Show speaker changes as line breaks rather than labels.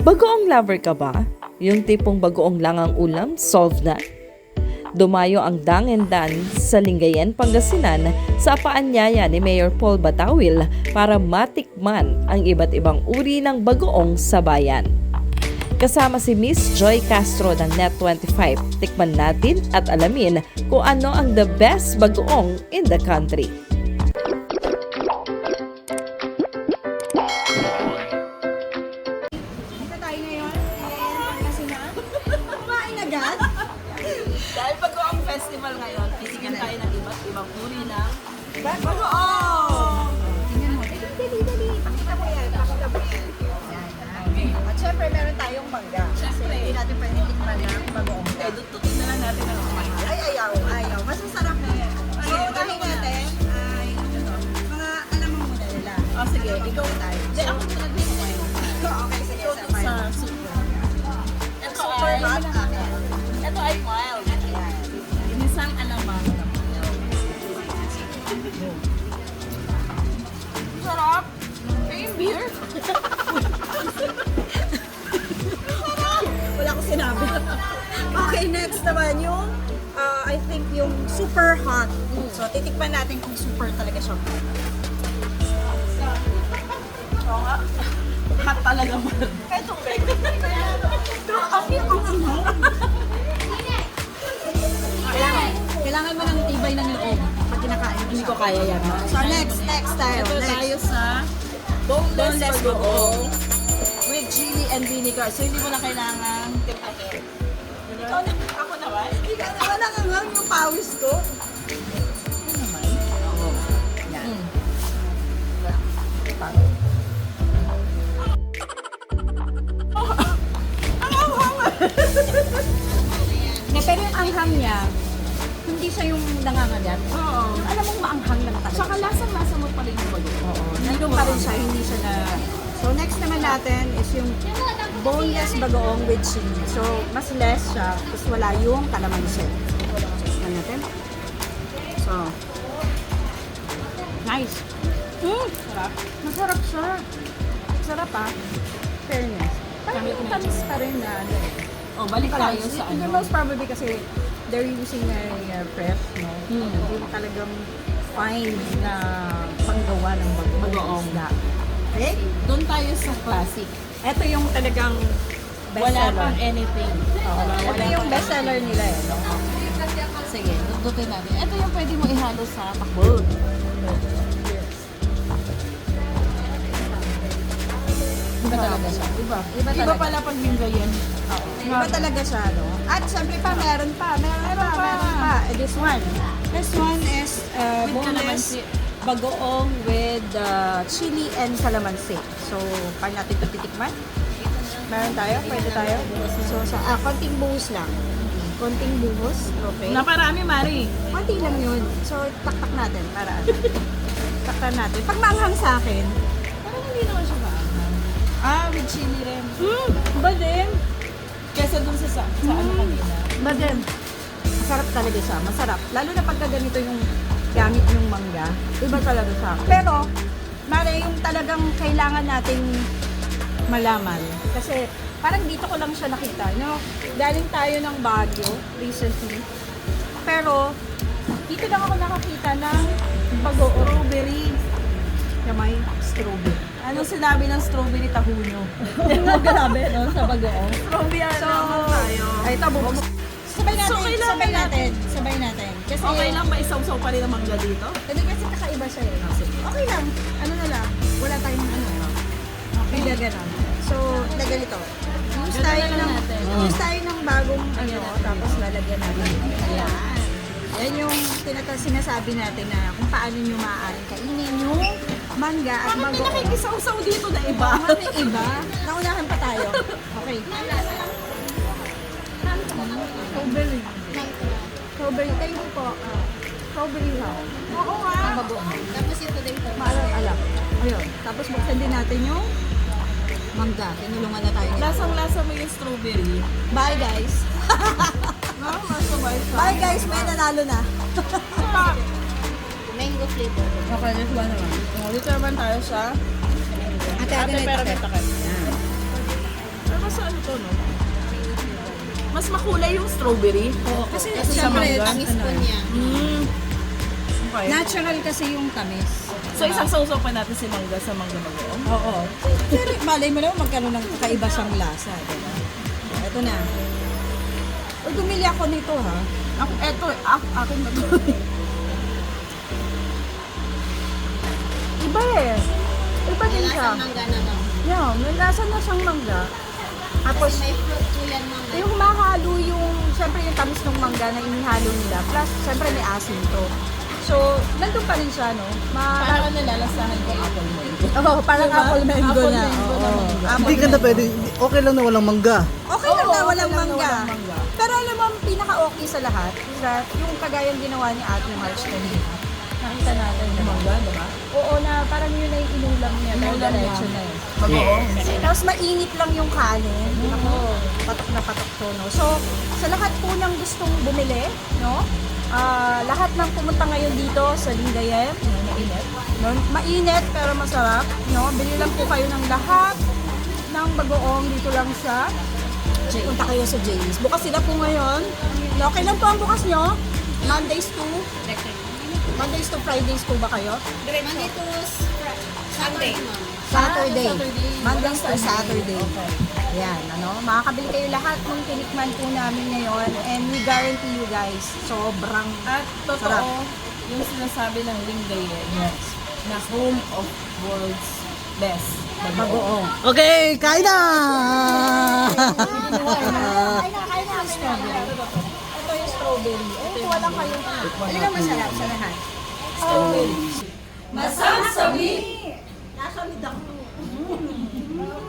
Bagoong lover ka ba? Yung tipong bagoong lang ang ulam, solve na? Dumayo ang Dang and Dan sa Lingayen, Pangasinan sa paanyaya ni Mayor Paul Batawil para matikman ang iba't ibang uri ng bagoong sa bayan. Kasama si Miss Joy Castro ng Net25, tikman natin at alamin kung ano ang the best bagoong in the country.
Dahil bagoong festival ngayon, titikin tayo ng iba't ibang uri ng bagoong!
Tingnan mo. Dali. Pakita mo yan. At syempre, meron tayong mangga.
Syempre.
Hindi natin pwede tikman ng bagoong.
Eh, dutukin na lang natin ang kumain.
Ay, ayaw. Mas masarap na yan. So, gawin natin ay mga alam mo muna nila.
O sige,
ikaw tayo.
Hindi, ako muna din kumain.
Okay, sige.
Ito
Sabay.
sa super. Ito
Super
ay,
hot akin.
ito ay mild. Inisang alamang. Sarap! Kaya yung beer?
Wala ko sinabi. Okay, next naman yung I think yung super hot. So, titikman natin kung super talaga siya.
Oo nga. Hot talaga mo.
Ito, kailangan mo ng tibay ng loob pag kinakain mo.
Hindi ko kaya yan.
So, next tayo.
Ito tayo sa boneless bagoong with chili and vinegar. So, hindi mo na kailangan timpahin. Ikaw na, ako naman.
Hindi ka naman nangangang yung pawis ko.
Yan.
Pero yung anghang niya, hindi siya yung nangangagat.
Oo.
Alam mong maanghang lang talaga.
Saka lasang-lasa mo pa rin yung bagoong.
Oo. Nandun pa rin siya, hindi siya na... So, next naman natin is yung boneless bagoong with chili. So, mas less siya, tapos wala yung kalamansi. Tignan natin. So, nice.
Sarap.
Masarap siya. Sarap ah. Fairness. Parang
Tamis
yung
na
tamis
ito.
pa rin na ano.
Oh, balik tayo sa ano.
Most probably kasi they're using a fresh, no? Yung talagang fine na panggawa ng
Bagoong.
isda. Okay?
Doon tayo sa classic.
Ito yung talagang
Wala
bestseller.
pang anything.
Oo, ito
Wala
yung
pang
bestseller nila eh. No?
Sige, dudutin natin. Ito yung pwede mo ihalo sa takbol. Iba talaga siya. Iba.
Iba
Iba
talaga.
pala pag Lingayen.
Iba talaga siya, no? At syempre pa, meron pa. This one. This one is
With
boneless
calamansi.
bagoong with chili and calamansi. So, paano natin ito titikman? Meron tayo? Pwede tayo? So, konting buhos lang. Konting buhos. Okay.
Naparami, Mari.
Konti lang yun. So, taktak natin para ano. Taktan natin. Pag maanghang sa akin,
Parang hindi naman siya maanghang. Ah, with chili rin.
ba din?
Kesa dun sa ano kanina.
Ba din? Masarap talaga siya. Masarap. Lalo na pagka ganito yung gamit yung mangga. Iba talaga siya. Pero, Mare, yung talagang kailangan nating malaman. Kasi, parang dito ko lang siya nakita. No? Galing tayo ng Baguio recently. Pero, dito lang ako nakakita ng bagoong.
Strawberry.
Na may strawberry.
Anong sinabi ng strawberry tahunyo?
Grabe, no? Sa bagoong.
Strawberry
So,
naman tayo.
ay, ito, sabay natin,
So, kailangan
sabay natin, sabay natin. Kasi,
Okay lang ba isaw-saw pa rin ang mangga dito?
Hindi kasi kakaiba siya eh. Okay lang, ano na lang, wala tayong ano. Okay. Hindi ganon. So, na ganito. Use
Ganun
tayo
na lang
ng,
natin.
use tayo ng bagong ano, tapos lalagyan natin. Ayan. Yan yung sinasabi natin na kung paano nyo maaaring kainin yung mangga at
Bakit may
bagoong.
nakikisaw-saw dito na iba?
Bakit may iba? Naunahan pa tayo. Okay. Strawberry. Strawberry. Thank you po. Strawberry ha. Oo nga. Ang bagoong.
Tapos ito dito.
Maalam. Ayun. Tapos buksan din natin yung mangga. Tinulungan na tayo nila.
Lasang-lasa mo yung strawberry.
Bye guys.
No, masabay siya.
Bye guys. May nanalo na.
Mango flavor.
Okay, let's go naman. Dito naman tayo sa
Ate,
ate pero may
takip.
takip. Pero
ito, no?
Mas makulay yung strawberry.
Kasi
Kasi sa
syempre,
mangga.
tamis po niya.
Okay.
Natural kasi yung tamis.
So isang sausaw pa natin si mangga sa mangga bagoong.
Oo. Pero malay mo naman magkaroon ng kakaiba siyang lasa, diba? Ito na. Uy, bumili ako nito, ha?
Ako, eto, akin ba ito?
Iba eh. Iba din siya.
Mangga na no?
Yeah, may lasa na siyang mangga. Tapos,
May fruit po yan mangga.
yung humahalo yung, syempre yung tamis ng mangga na inihalo nila. Plus, syempre may asin to. So, nandun pa rin siya, no?
Parang nalalasahan ko apple mo.
Oo, parang apple mango
Apple
na.
mango na
Oo.
mangga.
Apple
Hindi ka na
mango.
pwede, okay lang na walang mangga.
Okay lang
Oo,
na
okay
walang
lang na
mangga.
walang mangga.
Pero alam mo, ang pinaka-okay sa lahat is that yung kagayang ginawa ni Ate March kanina. Nakita natin na
Mangga, diba?
Oo, na parang yun ay inulam niya. Dahil
Inulam niya.
diretso na eh.
Bagoong.
Tapos mainit lang yung kanin. Ako, patok na patok to, no? So, sa lahat po ng gustong bumili, no? Lahat ng pumunta ngayon dito sa Lingayen, mainit. No? Mainit pero masarap, no? Bili lang po kayo ng lahat ng bagoong dito lang sa punta kayo sa Jay's. Bukas sila po ngayon. No, kailan po ang bukas nyo? Mondays to Fridays po ba kayo?
Monday to Sunday.
Saturday.
Saturday.
Mondays to Saturday. Ayan, ano, makakabili kayo lahat ng tinikman po namin ngayon and we guarantee you guys, sobrang
At totoo,
Sarap.
yung sinasabi ng Lingayen na home of world's best.
bagoong.
Okay, kain na!
Ito yung strawberry. Eh, kuha lang kayo. Ano ang masarap sa lahat? Strawberry. Masasabi! Nasamid ako.